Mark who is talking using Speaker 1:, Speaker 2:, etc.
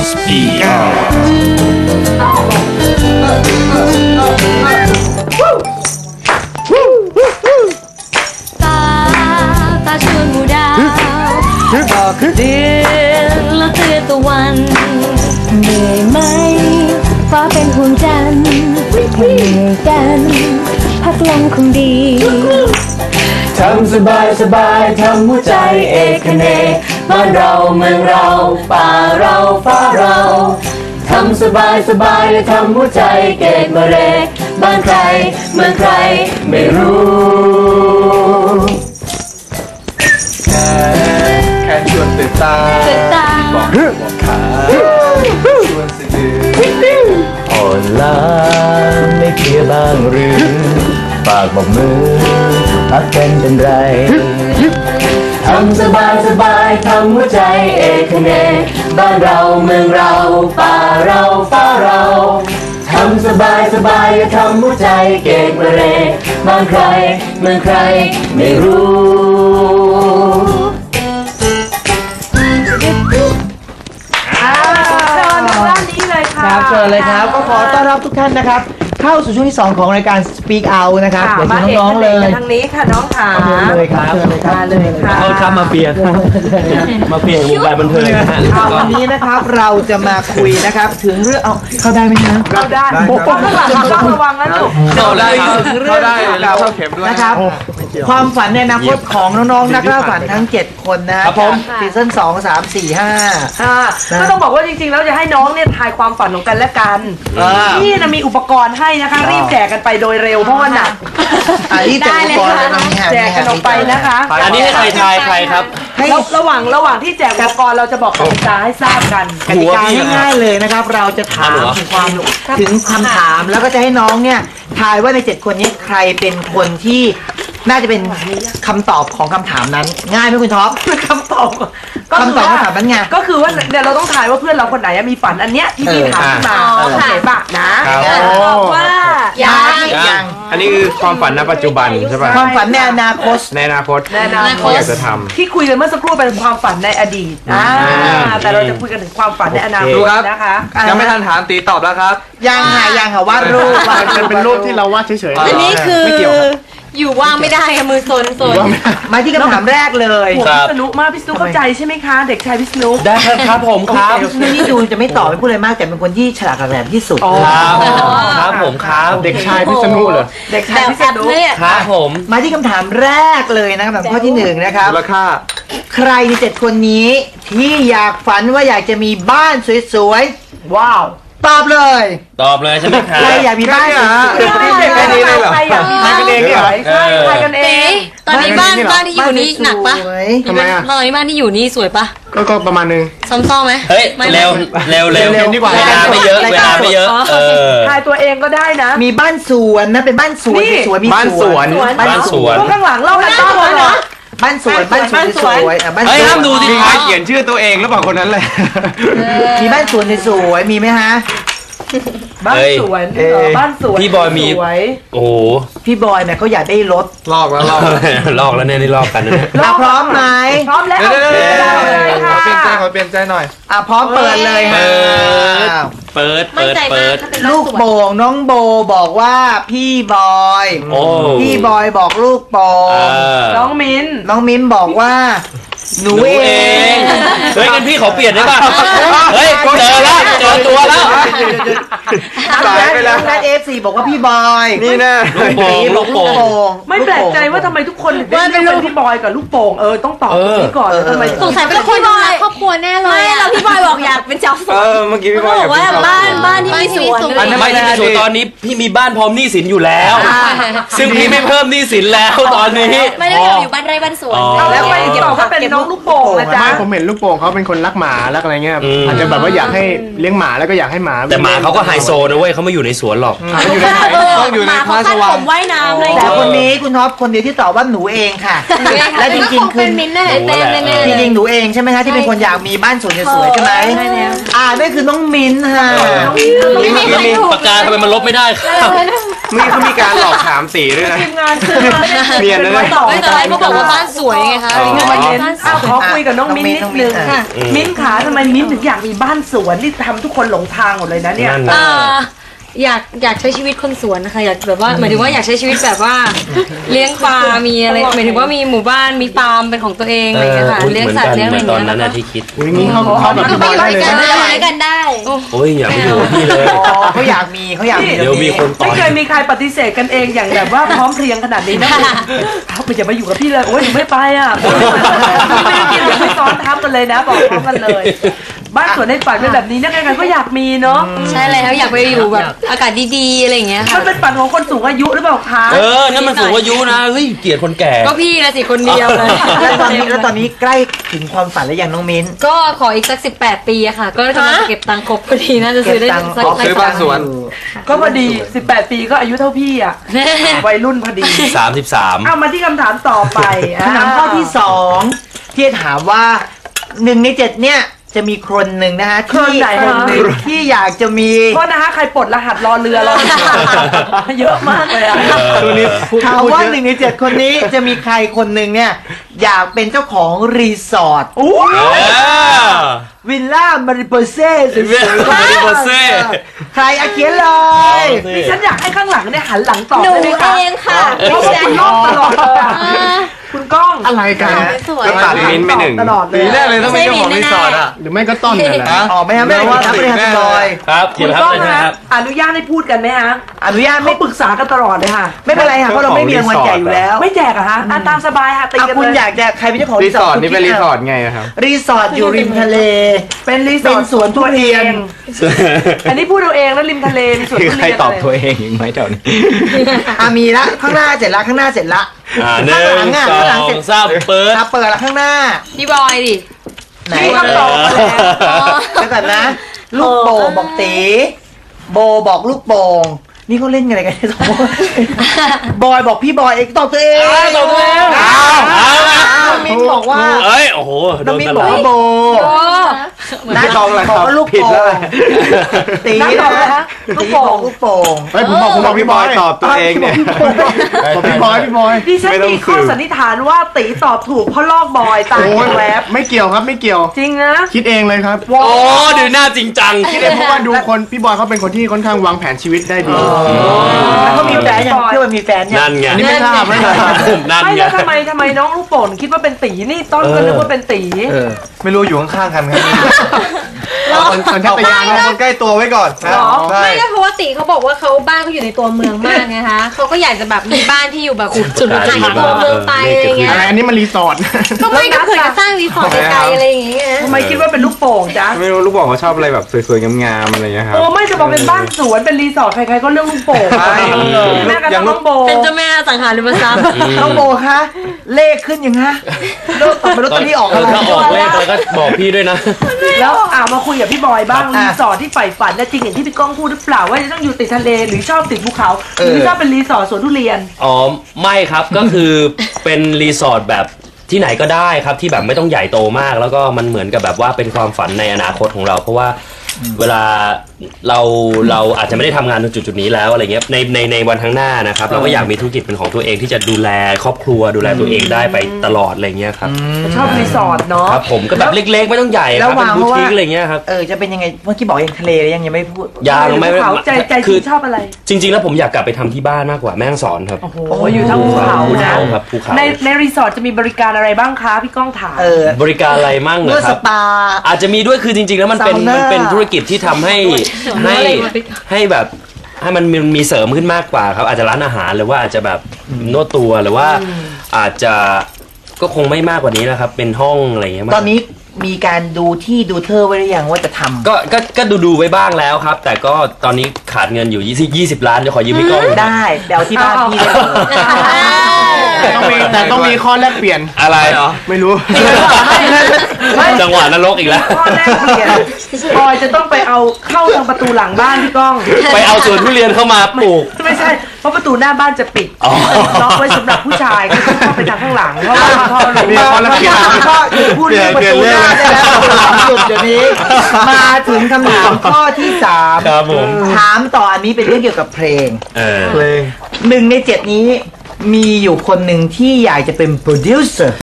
Speaker 1: Speak Out
Speaker 2: ตาชวนหมู่ดาวบอกเดือนแล้วเตือนตะวันเหนื่อยไหมฟ้าเป็นห่วงจันทร์เหนื่อยกันพักลมคงดี
Speaker 3: ทำสบายสบายทำหัวใจเอกเนบ้านเราเมืองเราป่าเราฟ้าเราทำสบายสบายและทำหัวใจเกตมะเรบ้านใครเมืองใครไม่รู้แค่ชวนตื่นตาบอกขาชวนสะดืออ่อนล้าไม่เพลียบ้างหรือปากบอกมือพักกันเป็นไรทำสบายสบายทำหัวใจเอกเนบ้านเราเมืองเราป่าเราฟ้าเราทำสบายสบายทำหัวใจเกตมะเรบ้านใครเมืองใครไม่รู้
Speaker 4: ครับเชิญเลยครับก็ขอต้อนรับทุกท่านนะครับเข้าสู่ช่วงที่2ของรายการ Speak Out นะครับเดี๋ยวเชิญน้องๆเลย
Speaker 5: ทางนี้ค่ะน้องขา
Speaker 4: เลยครับเชิญเลยครับ
Speaker 5: เลยค่ะ
Speaker 1: เอาครับมาเปลี่ยนวงการบันเทิงนะฮะ
Speaker 4: วันนี้นะครับเราจะมาคุยนะครับถึงเรื่องเอาเข้าได้ไหมนะ
Speaker 5: เข้าได้ข้างหลังต้องระวังนะลูก
Speaker 1: เข้าได้
Speaker 4: เข้าได้เราเข้าเข็มด้วยนะครับความฝันในอนาคตของน้องๆนักล่าฝันทั้ง7คนนะครับซีซั่น2 3 4 5
Speaker 5: ก็ต้องบอกว่าจริงๆแล้วจะให้น้องเนี่ยทายความฝันของกันและกันนี่นะมีอุปกรณ์ให้นะคะรีบแจกกันไปโดยเร็วเพราะว่าหนัก
Speaker 4: รีบแจกอุปกรณ์
Speaker 5: แจกกันออกไปนะคะ
Speaker 1: อันนี้ให้ใครทายใครครับ
Speaker 5: ระหว่างที่แจกอุปกรณ์เราจะบอกกติกาให้ทราบกัน
Speaker 4: กติกาง่ายๆเลยนะครับเราจะถามถึงคำถามแล้วก็จะให้น้องเนี่ยทายว่าใน7คนนี้ใครเป็นคนที่น่าจะเป็นคำตอบของคำถามนั้นง่ายไหมคุณท็อป
Speaker 5: คำตอบ
Speaker 4: คำตอบคำถามนั้นไง
Speaker 5: ก็คือว่าเดี๋ยวเราต้องทายว่าเพื่อนเราคนไหนมีฝันอันเนี้ยที่พี่ถามขึ้นมาโอเคป่ะนะ
Speaker 2: บอกว่า
Speaker 4: ยัง
Speaker 1: อันนี้คือความฝันณปัจจุบันใช่ป่ะ
Speaker 4: ความฝันในอนาคต
Speaker 1: อยากจะทำ
Speaker 5: ที่คุยกันเมื่อสักครู่เป็นความฝันในอดีตแต่เราจะคุยกันถึงความฝันในอนาคตนะคะ
Speaker 1: ยังไม่ทันถามตีตอบแล้วครับ
Speaker 4: ยังค่ะวาดรูป
Speaker 6: มันเป็นรูปที่เราวาดเฉยๆ
Speaker 2: อันนี้คืออยู่ว่างไม่ได้มือโซน
Speaker 4: มาที่คำถามแรกเลย
Speaker 5: พิษณุมากพิษณุเข้าใจใช่ไหมคะเด็กชายพิษณุ
Speaker 1: ได้ครับผมครับ
Speaker 4: นี่ดูจะไม่ตอบไม่พูดอะไรมากแต่เป็นคนที่ฉลาดแหลมที่สุด
Speaker 1: ครับผมครับ
Speaker 6: เด็กชายพิษณุเหรอ
Speaker 5: เด็กชายพิษณุ
Speaker 1: ครับผม
Speaker 4: มาที่คำถามแรกเลยนะครับข้อที่1นะครับ
Speaker 6: ราคา
Speaker 4: ใครใน7คนนี้ที่อยากฝันว่าอยากจะมีบ้านสวยๆว้าวตอบเลย
Speaker 1: ใช่ไหมครับ
Speaker 4: ใครอยากมีบ้าน
Speaker 5: ใครอยากมีใครกันเองเหรอใครกันเอง
Speaker 2: ตอนนี้บ้านที่อยู่นี่หนักปะ
Speaker 6: ทำไมอ่ะ
Speaker 2: ตอนนี้บ้านที่อยู่นี่สวยปะ
Speaker 6: ก็ประมาณนึง
Speaker 2: ซ้อมไหม
Speaker 1: เฮ้ยเร็ว
Speaker 6: ดีกว่า
Speaker 1: เวลาไม่เยอะ
Speaker 5: ทายตัวเองก็ได้นะ
Speaker 4: มีบ้านสวนนะเป็นบ้านสวนสวยมี
Speaker 1: บ้านสวน
Speaker 5: พวกข้างหลังเล่ากันบ้านนะ
Speaker 4: บ้านสวนบ้านสวย
Speaker 1: เฮ้ยห้ามดูสิ
Speaker 6: ครับเขียนชื่อตัวเองหรือเปล่าคนนั้นเลย
Speaker 4: มีบ้านสวนสวยมีไหมฮะ
Speaker 5: บ้านสวน
Speaker 1: พี่บอยมีโอ้
Speaker 4: พี่บอยเนี่ยเขาอยากได้รถ
Speaker 6: ลอกแล้ว
Speaker 1: เนี่ยนี่ลอกกัน
Speaker 4: นะพร้อมไหม
Speaker 5: พร้อมแล้ว
Speaker 6: ขอเปลี่ยนใจหน่อย
Speaker 4: พร้อมเปิดเลย
Speaker 1: เปิด
Speaker 4: ลูกโป่งน้องโบบอกว่าพี่บอยบอกลูกโป่ง
Speaker 5: น้องมิ้น
Speaker 4: บอกว่าหนูเอง
Speaker 1: เฮ้ยงั้นพี่ขอเปลี่ยนได้ป่ะเฮ้ยเจอตัวแล้ว
Speaker 4: ตายไปแล้วนัดF4บอกว่าพี่บอย
Speaker 6: นี่นะ
Speaker 4: ลูกโป่ง
Speaker 5: ไม่แปลกใจว่าทำไมทุกคนว่าเป็นพี่บอยกับลูกโป่งต้องตอบนี้ก่อนทำไม
Speaker 2: สงสัยเป็นคนดูแลครอบครัวแน่เลยแล้วพี่บอยบอกอยากเป็นเจ้าสวน
Speaker 6: เมื่อกี้พี่บอย
Speaker 2: บอกว่าบ้านที่มีสวน
Speaker 1: ไม่ที่มีสวนตอนนี้พี่มีบ้านพร้อมหนี้สินอยู่แล้วซึ่งพี่ไม่เพิ่มหนี้สินแล้วตอนนี้
Speaker 2: ไม่ได้อยู่บ้านไร่บ้านสวน
Speaker 5: แล้วไปตอบว่าเป็นน้องลูกโป่งนะจ๊ะ
Speaker 6: ผมเห็นลูกโป่งเขาเป็นคนรักหมารักอะไรเงี้ยอาจจะแบบว่าอยากให้เลี้ยงหมาแล้วก็อยากให้หมา
Speaker 1: แต่หมาเขาก็ไฮโซนะเว้ยเขาไม่อยู่ในสวนหรอก
Speaker 6: ต้องอยู่ในพาสวรรค์
Speaker 2: ว่ายน้ำเลย
Speaker 4: แต่คนนี้คุณท็อปคนเดียวที่ตอบว่าหนูเองค่ะและจริงๆคือจริงๆหนูเองใช่ไหมคะที่เป็นคนอยากมีบ้านสวยสวยใช่ไหมนั่นคือน้องมิ้นค่ะ
Speaker 1: แล้วมีปากกาทำไมมันลบไม่ได้ครับ
Speaker 6: เขามีการหลอกถามสีด้วยนะ
Speaker 5: ทีมงานซื้อมาไม่ได้
Speaker 6: เนียนนะ
Speaker 5: ไว้ต่อ
Speaker 2: ไม่แต่ไรเขาบอกว่าบ้านสวยไงคะ
Speaker 5: ขอคุยกับน้องมิ้นนิดนึงค่ะมิ้นขาทำไมมิ้นถึงอยากมีบ้านสวนนี่ทำทุกคนหลงทางหมดเลยนะเนี่ย
Speaker 1: นั่นนะ
Speaker 2: อยากใช้ชีวิตคนสวนนะคะอยากแบบว่าหมายถึงว่าอยากใช้ชีวิตแบบว่าเลี้ยงปลา มีอะไรหมายถึงว่ามีหมู่บ้านมีฟาร์มเป็นของตัวเองอะไรอย่างเงี้ยค่ะเลี้ยงสัตว์เลี้ยงอะไรอย่าง
Speaker 1: ตอน
Speaker 2: เงี้ย
Speaker 1: นั้นนะที่คิด
Speaker 6: อย่างนี้เขาแบบพี่บอยได้เลยนะ
Speaker 2: ได้กันได้
Speaker 1: โอ้ยอย่าไปอยู่กับพี่เลย
Speaker 4: อ๋อเขาอยากมีเขาอยากมี
Speaker 1: เดี๋ยวมีคนต่อ
Speaker 5: ไม่เคยมีใครปฏิเสธกันเองอย่างแบบว่าพร้อมเพรียงขนาดนี้นะเขาไม่จะมาอยู่กับพี่เลยโอ้ยหนูไม่ไปอ่ะไม่ได้กินหรือไม่ซ้อนทับกันเลยนะบอกพร้อมกันเลย บ้านสวนในฝันเป็นแบบนี้นะใครๆก็อยากมีเนาะ
Speaker 2: ใช่แล้วอยากไปอยู่แบบอากาศดีๆอะไรอย่างเงี้ย
Speaker 5: มั
Speaker 2: ค่ะ
Speaker 5: นเป็นฝันของคนสูงอายุหรือเปล่าคะ
Speaker 1: นั่นมันสูงอายุนะเฮ้ยเกลียดคนแก่
Speaker 2: ก็พี่ละสิคนเดียวเลย
Speaker 4: แล้วตอนนี้ใกล้ถึงความฝันแล้วยังน้องมิ้น
Speaker 2: ก็ขออีกสัก18 ปีอะค่ะ ก็กำลังจะเก็บตังค์ครบพอดีน่าจะซื้อได้สัก
Speaker 6: ซื้อบ้านสวน
Speaker 5: ก็พอดี18 ปีก็อายุเท่าพี่อ่ะวัยรุ่นพอดี
Speaker 1: 33
Speaker 5: เอามาที่คำถามต่อไป
Speaker 4: คำถามข้อที่2ที่จะถามว่า1 ใน 7เนี่ยจะมีคนหนึ่งนะฮะ
Speaker 5: คนไหน
Speaker 4: ที่อยากจะมี
Speaker 5: โทษนะคะใครปลดรหัสรอเรือรอเยอะมากเลยอ่ะ
Speaker 6: ตัวนี้พูด
Speaker 4: ถาม
Speaker 6: พูด
Speaker 4: ว่า
Speaker 6: เยอะ
Speaker 4: 1 ใน 7 คนนี้จะมีใครคนหนึ่งเนี่ยอยากเป็นเจ้าของรีสอร์ทวิลล่ามาริโปเซ่สวยๆ
Speaker 1: Mariposa
Speaker 4: ใครอาเขียนเลย
Speaker 5: ดิฉันอยากให้ข้างหลังเนี่ยหันหลังตอบ
Speaker 2: หนู
Speaker 5: ได้ไหมคะ
Speaker 2: เองค่ะ
Speaker 5: เพราะว่าคุณลอกตลอดเลยอะคุณก้อง
Speaker 6: อะไรกัน
Speaker 2: สวย
Speaker 6: ก็ตัดมิ้นท์ไปหนึ่ง
Speaker 5: ตลอดเลย
Speaker 3: ปีแรกเลยต้องเป็นเจ้าของรีสอร์ทอ่ะ
Speaker 6: หรือไม่ก็ต้นนั่นแหละ
Speaker 4: อ๋อไม่ครับไม่ได้ครับไม่ได้ครับลอย
Speaker 1: ครับ
Speaker 5: คุ
Speaker 1: เดี๋ย
Speaker 5: ณ
Speaker 1: วครับ
Speaker 5: ก้อง
Speaker 1: เลย
Speaker 5: นะ
Speaker 1: นะครับ
Speaker 5: อนุญาตให้พูดกันไหมฮะ
Speaker 4: อนุญาต
Speaker 5: ไม่
Speaker 4: ไม่
Speaker 5: ปรึกษากันตลอดเลยค่ะ
Speaker 4: ไม่เป็นไรค่ะเพราะเราไม่มีรางวัลใหญ่อยู่แล้ว
Speaker 5: ไม่แจกอะฮะตามสบายค่ะตี
Speaker 4: เอา
Speaker 5: กัน
Speaker 4: คุณ
Speaker 5: เลย
Speaker 4: อยากจะใครเป็นเจ้าของ
Speaker 6: รีสอร์ท
Speaker 4: คุณ
Speaker 6: นี่เป็น
Speaker 4: คิ
Speaker 6: รี
Speaker 4: ด
Speaker 6: สอร์ทไงอะครับ
Speaker 4: รีสอร์ทอยู่ริมทะเล
Speaker 5: เป็นรีส
Speaker 4: เป็
Speaker 5: อร์
Speaker 4: น
Speaker 5: ท
Speaker 4: สวนทุเรียน
Speaker 5: อันนี้พูดเอาเองแล้วริมทะเลมีสวน
Speaker 6: คือ
Speaker 5: ทุ
Speaker 6: ใคร
Speaker 5: เรียน
Speaker 6: ตอบ
Speaker 5: อะไร
Speaker 6: ตัวเองอีกไหมแถวนี้
Speaker 4: มีละข้างหน้าเสร็จละข้างหน้าเสร็จละ
Speaker 1: หนึ่
Speaker 4: ข้างหลั
Speaker 1: ง
Speaker 4: ง
Speaker 1: ส
Speaker 4: ข้างหลัง
Speaker 1: อ
Speaker 4: เสร็
Speaker 1: ง
Speaker 4: จ
Speaker 1: สามเปิด
Speaker 4: เปิดละข้างหน้า
Speaker 2: พี่บอยดิ
Speaker 4: ไหน
Speaker 5: มีคำตอบมาแล้ว
Speaker 4: แล้วก่อนนะ ลูกโป่งบอกตีโบบอกลูกโป่งนี่เขาเล่นกันอะไรกันเนี่ยสองคนบอยบอกพี่บอยเองตอบตัวเอง
Speaker 1: ตอบตัวเอง
Speaker 4: น้องมิ้นบอกว่า
Speaker 1: เอ้ยโอ้โหโด
Speaker 4: น้อง
Speaker 1: น
Speaker 4: มิ้น
Speaker 1: ต
Speaker 4: บ
Speaker 1: ล
Speaker 4: อก
Speaker 1: อด
Speaker 4: ว่าโบ
Speaker 6: ไม่ตรงเลยครับ
Speaker 4: บอกว่าลูก
Speaker 6: ผิด
Speaker 4: โป่
Speaker 6: แล้ว
Speaker 4: งตี
Speaker 5: นับตอบเลยฮะลูกโป่ง
Speaker 4: ลูกโป่ง
Speaker 6: เฮ้ยผมบอกพี่บอยตอบตัวเองเนี่ยบอกพี่บอย
Speaker 5: ดิฉัน
Speaker 6: ไม่ต้อง
Speaker 5: มีข้อ
Speaker 6: สืบ
Speaker 5: สันนิษฐานว่าตีตอบถูกเพราะลอกบอยตาย
Speaker 6: โอ้ย
Speaker 5: แวบ
Speaker 6: ไม่เกี่ยวครับไม่เกี่ยว
Speaker 5: จริงนะ
Speaker 6: คิดเองเลยครับ
Speaker 1: โอ้ดูหน้าจริงจัง
Speaker 6: คิดเองเพราะว่าดูคนพี่บอยเขาเป็นคนที่ค่อนข้างวางแผนชีวิตได้ดี
Speaker 4: แล้วเขามีแฟนยังเพื่อนมีแฟนยัง
Speaker 1: นั่นไง
Speaker 6: อันนี้ไม่ทราบไม่ทราบ
Speaker 1: นั่น
Speaker 5: ไม่
Speaker 1: ไง
Speaker 5: แล้วทำไมน้องลูกโป่งคิดว่าเป็นตีนี่ต้นก็นึกว่าเป็นตี
Speaker 3: ไม่รู้อยู่ข้างๆกันครับ
Speaker 6: สัญชาตญาณ
Speaker 3: เอาคนใกล้ตัวไว้ก่อนนะใช่
Speaker 2: ไม่ก็เพราะว่าติเขาบอกว่าเขาบ้านเขาอยู่ในตัวเมืองมากไงคะเขาก็อยากจะแบบมีบ้านที่อยู่แบบจุดห่างจากตัวเมืองไปอะไรเงี้ย
Speaker 6: อะไรอันนี้มันรีสอร์ท
Speaker 2: ก็ไม่ก็เผื่อจะสร้างรีสอร์ทไกลๆอะไรอย่างเงี้ย
Speaker 5: ทำไมคิดว่าเป็นลูกโป่งจ๊ะ
Speaker 6: ไม่รู้ลูกบอกเขาชอบอะไรแบบสวยๆงามๆอะไรอย่างเงี้ยครับ
Speaker 5: โอ้ไม่จะบอกเป็นบ้านสวนเป็นรีสอร์ทใครๆก็เรื่องลูกโป่งแม่กันน้องโบ
Speaker 2: เป็นเจ้าแม่สังหารริมทรัพย์
Speaker 4: น้องโบคะเลขขึ้นยังฮะเลิกตอบไปลอตเตอรี่ออกอะไร
Speaker 1: ถ้าออกเลขแล้วก็บอกพี่ด้วยนะ
Speaker 5: แล้วมาคุยกับพี่บอยบ้าง
Speaker 4: อ่ะ
Speaker 5: รีสอร์ทที่ใฝ่ฝันนะจริงอย่างที่พี่ก้องพูดหรือเปล่าว่าจะต้องอยู่ติดทะเลหรือชอบติดภูเขาหรือชอบเป็นรีสอร์ทสวนทุเรียน
Speaker 1: อ๋อไม่ครับก็คือเป็นรีสอร์ทแบบที่ไหนก็ได้ครับที่แบบไม่ต้องใหญ่โตมาก แล้วก็มันเหมือนกับแบบว่าเป็นความฝันในอนาคตของเรา เพราะว่าเวลาเราอาจจะไม่ได้ทำงานตรงจุดๆนี้แล้วอะไรเงี้ยในวันข้างหน้านะครับเราก็อยากมีธุรกิจเป็นของตัวเองที่จะดูแลครอบครัวดูแลตัวเองได้ไปตลอดอะไรเงี้ยครับ
Speaker 5: ชอบรีสอร์ทเนาะ
Speaker 1: ครับผมก็แบบเล็กๆไม่ต้องใหญ่ครับเป็นบูติกอะไรเงี้ยครับ
Speaker 4: จะเป็นยังไงเมื่อกี้บอกยังทะเลยังไม่พูด
Speaker 1: ยางไม่
Speaker 5: ภูเขาใจจ
Speaker 1: คื
Speaker 5: ริ
Speaker 1: อง
Speaker 5: ชอบอะไร
Speaker 1: จริง ๆ แล้วผมอยากกลับไปทำที่บ้านมากกว่าแม่ฮ่องสอนครับ
Speaker 5: โอ้โหอยู่ทั้งภูเขา
Speaker 1: ภู
Speaker 5: นะ
Speaker 1: เขาครับภูเขา
Speaker 5: ในรีสอร์ทจะมีบริการอะไรบ้างคะพี่ก้องถาม
Speaker 1: บริการอะไรมั่งเหร
Speaker 4: เมื่อ
Speaker 1: อค
Speaker 4: ส
Speaker 1: รับ
Speaker 4: ปา
Speaker 1: อาจจะมีด้วยคือจริงๆแล้วมันเป็น
Speaker 4: ซาวน่ามั
Speaker 1: มันเป็นธุรกิจที่ทำให้แบบให้มันมีเสริมขึ้นมากกว่าครับอาจจะร้านอาหารหรือว่าอาจจะแบบนวดตัวหรือว่าอาจจะก็คงไม่มากกว่านี้นะครับเป็นห้องอะไรอย่างเงี้ยมาก
Speaker 4: ตอนนี้มีการดูที่ดูเธอไว้หรือยังว่าจะทำ
Speaker 1: ก็ดูไว้บ้างแล้วครับ แต่ก็ตอนนี้ขาดเงินอยู่20 ล้านจะขอยืมพี่ก้อง
Speaker 4: ได้เดี๋ยวที่บ้านพี่ได้เลย
Speaker 6: แต่ต้องมีข้อแลกเปลี่ยน
Speaker 1: อะไรเหรอ
Speaker 6: ไม่รู้
Speaker 1: จังงหวะนรกอีกแล้ว
Speaker 5: ข้อแรกเปลี่ยนออยจะต้องไปเอาเข้าทางประตูหลังบ้านพี่ก้อง
Speaker 1: ไปเอาสวนทุเรียนเข้ามาปลูก
Speaker 5: ไม่ใช่เพราะประตูหน้าบ้านจะปิด
Speaker 1: อ๋อ
Speaker 5: ล็อกไว้สำหรับผู้ชายก็ต้องเข้าไปทางข้างหลังเพราะว่าพ่อหลวง
Speaker 4: มาแล้วก็หยุดพูดเรื่องประตูหน้าได้แล้วหยุดเดี๋ยวนี้ มาถึงคำถามข้อที่ 3
Speaker 1: ครับผม
Speaker 4: ถามต่ออันนี้เป็นเรื่องเกี่ยวกับเพลง
Speaker 3: เพลง
Speaker 4: 1 ใน 7 นี้มีอยู่คนหนึ่งที่อยากจะเป็นโปรดิวเซอร์